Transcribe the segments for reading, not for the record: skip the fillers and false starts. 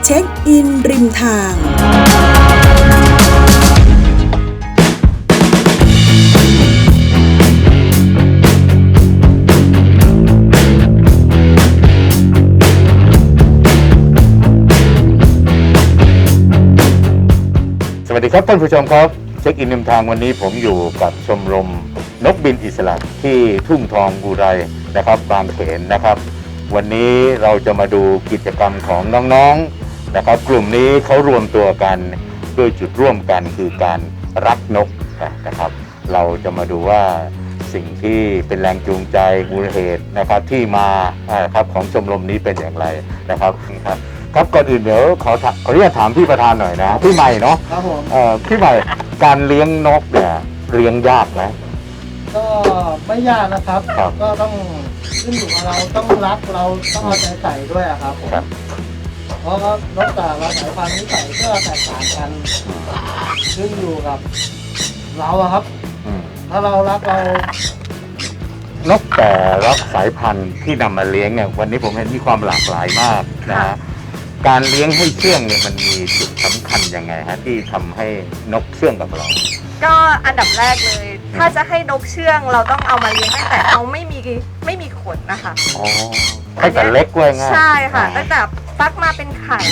เช็คอินริมทางสวัสดีครับท่านผู้ชมครับเช็คอินริมทางวันนี้ผมอยู่กับชมรมนกบินอิสระที่ทุ่งทองอุไรนะครับบางเขนนะครับ วันนี้เราจะมาดูกิจกรรมของน้องๆนะครับกลุ่มนี้เขารวมตัวกันด้วยจุดร่วมกันคือการรักนกนะครับเราจะมาดูว่าสิ่งที่เป็นแรงจูงใจมูลเหตุนะครับที่มาครับของชมรมนี้เป็นอย่างไรนะครับครับก่อนอื่นเดี๋ยวขออนุญาตถามพี่ประธานหน่อยนะพี่ใหม่เนาะครับผมพี่ใหม่การเลี้ยงนกเนี่ยเลี้ยงยากไหมก็ไม่ยากนะครับครับก็ต้องขึ้นอยู่กับเราต้องรักเราต้องเอาใจใส่ด้วยอะครับผมครับเพราะว่านกแต่ละสายพันธุ์นิสัยก็แตกต่างกันขึ้นอยู่กับเราอะครับอืมถ้าเรารักเรานกแต่ละสายพันธุ์ที่นำมาเลี้ยงเนี่ยวันนี้ผมเห็นมีความหลากหลายมากนะฮะการเลี้ยงให้เชื่องเนี่ยมันมีจุดสำคัญยังไงฮะที่ทำให้นกเชื่องกับเราก็อันดับแรกเลย ถ้าจะให้นกเชื่องเราต้องเอามาเลี้ยงตั้งแต่เขาไม่มีขนนะคะอ๋อตั้งแต่เล็กไว้ง่ายใช่ค่ะตั้งแต่ฟักมาเป็นไข่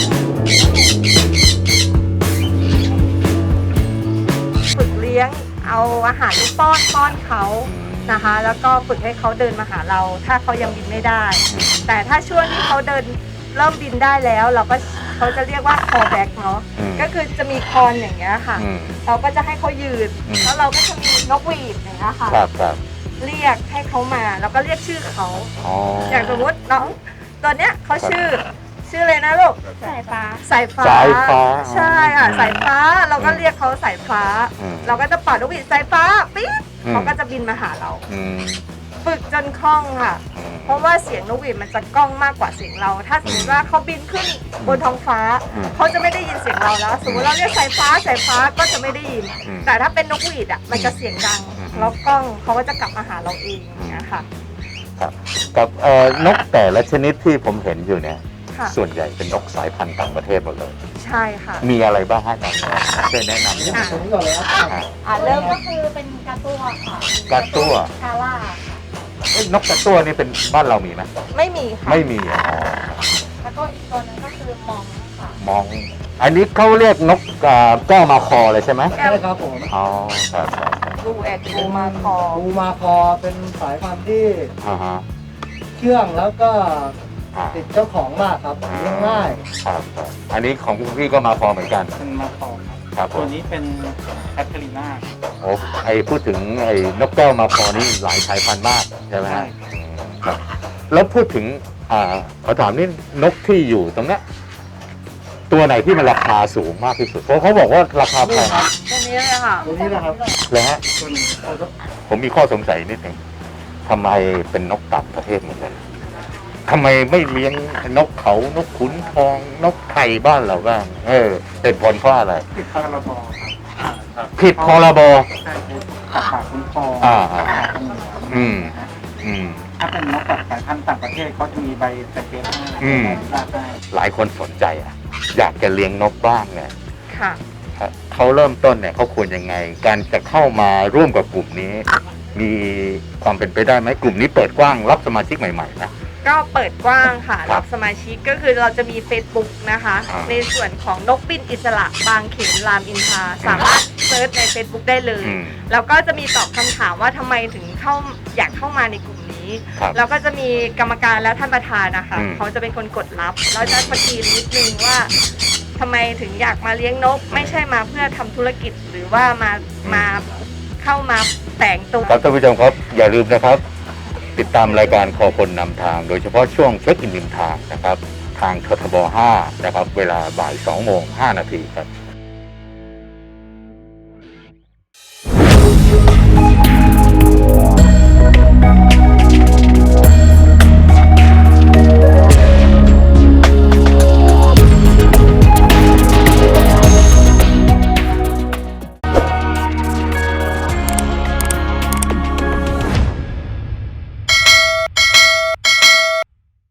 ฝึกเลี้ยงเอาอาหารป้อนเขานะคะ แล้วก็ฝึกให้เขาเดินมาหาเรา ถ้าเขายังบินไม่ได้ แต่ถ้าช่วงที่เขาเดินเริ่มบินได้แล้วเราก็เขาจะเรียกว่า call back เนาะก็คือจะมีคอนอย่างเงี้ยค่ะ เราก็จะให้เขายืนแล้วเราก็จะมีนกหวีดอย่างเงี้ยค่ะครับครับเรียกให้เขามาแล้วก็เรียกชื่อเขาอ๋ออย่างสมมติน้องตัวเนี้ยเขาชื่อเลยนะลูกสายฟ้าสายฟ้าใช่ค่ะสายฟ้าเราก็เรียกเขาสายฟ้า เราก็จะเป่านกหวีดสายฟ้าปี๊ดเขาก็จะบินมาหาเรา ฝึกจนคล่องค่ะ เพราะว่าเสียงนกหวีดมันจะก้องมากกว่าเสียงเรา ถ้าสมมติว่าเขาบินขึ้นบนท้องฟ้าเขาจะไม่ได้ยินเสียงเราแล้ว สมมติเราเรียกสายฟ้าก็จะไม่ได้ยิน แต่ถ้าเป็นนกหวีดอ่ะมันจะเสียงดังแล้วก้องเขาก็จะกลับมาหาเราเองอย่างเงี้ยค่ะครับกับนกแต่ละชนิดที่ผมเห็นอยู่เนี่ยค่ะส่วนใหญ่เป็นนกสายพันธุ์ต่างประเทศหมดเลยใช่ค่ะมีอะไรบ้างฮะน้องๆช่วยแนะนำหน่อยตรงนี้ก่อนเลยครับเริ่มก็คือเป็นกาตัวค่ะกาตัวคาร่านกกระตั้วนี่เป็นบ้านเรามีไหมไม่มีค่ะไม่มีอ๋อแล้วก็อีกตัวนึงก็คือมองค่ะมอง อันนี้เขาเรียกนกแก้วมาคอเลยใช่ไหมใช่ครับผมอ๋อครับครับดูแอดดูมาคอปูมาคอเป็นสายพันธุ์ที่อ่าฮะเชื่องแล้วก็อ่าติดเจ้าของมากครับเลี้ยงง่ายครับครับอันนี้ของพี่ก็มาคอเหมือนกันเป็นมาคอครับครับผตัวมนี้เป็นแคทเธอรีนาโอ้พูดถึงไอ้นกแก้วมาคอนี่หลายสายพันธุ์มากใช่ไหมฮะครับแล้วพูดถึงขอถามนี่นกที่อยู่ตรงเนี้ยตัวไหนที่มันราคาสูงมากที่สุดเพราะเขาบอกว่าราคาแพงตัวนี้เลยค่ะตัวนี้นะครับเลยฮะตัวนี้ผมมีข้อสงสัยนิดหนึ่งทำไมเป็นนกต่างประเทศหมดเลยทำไมไม่เลี้ยงนกเขานกขุนทอง นกไทยบ้านเราบ้าง เป็นผลเพราะอะไรติดพรบครับผิดพรบใช่คือสัตว์ป่าคุ้มครองอ่าอืมอืมถ้าเป็นนกแบบสายพันธุ์ต่างประเทศเขาจะมีใบไซเกตให้อืมใบอนุญาตให้หลายคนสนใจอยากจะเลี้ยงนกบ้างเนี่ยค่ะเขาเริ่มต้นเนี่ยเขาควรยังไง การจะเข้ามาร่วมกับกลุ่มนี้ มีความเป็นไปได้ไหมกลุ่มนี้เปิดกว้างรับสมาชิกใหม่ๆนะก็เปิดกว้างค่ะครัรับบสมาชิกก็คือเราจะมี Facebook นะคะอ่าในส่วนของนกบินอิสระบางเขนรามอินทราสามารถเซิร์ชใน Facebook ได้เลย แล้วก็จะมีตอบคำถามว่าทำไมถึงอยากเข้ามาในกลุ่มนี้ครับแล้วก็จะมีกรรมการและท่านประธานนะคะอืมเขาจะเป็นคนกดรับแล้วจะสกรีนนิดนึงว่าทำไมถึงอยากมาเลี้ยงนก ไม่ใช่มาเพื่อทำธุรกิจหรือว่ามาเข้ามาแต่งตัวครับท่านผู้ชมครับอย่าลืมนะครับ ติดตามรายการคอคนนำทาง โดยเฉพาะช่วงเช็คอินริมทางนะครับ ทางททบ 5 นะครับ เวลาบ่าย 2:05 น.ครับ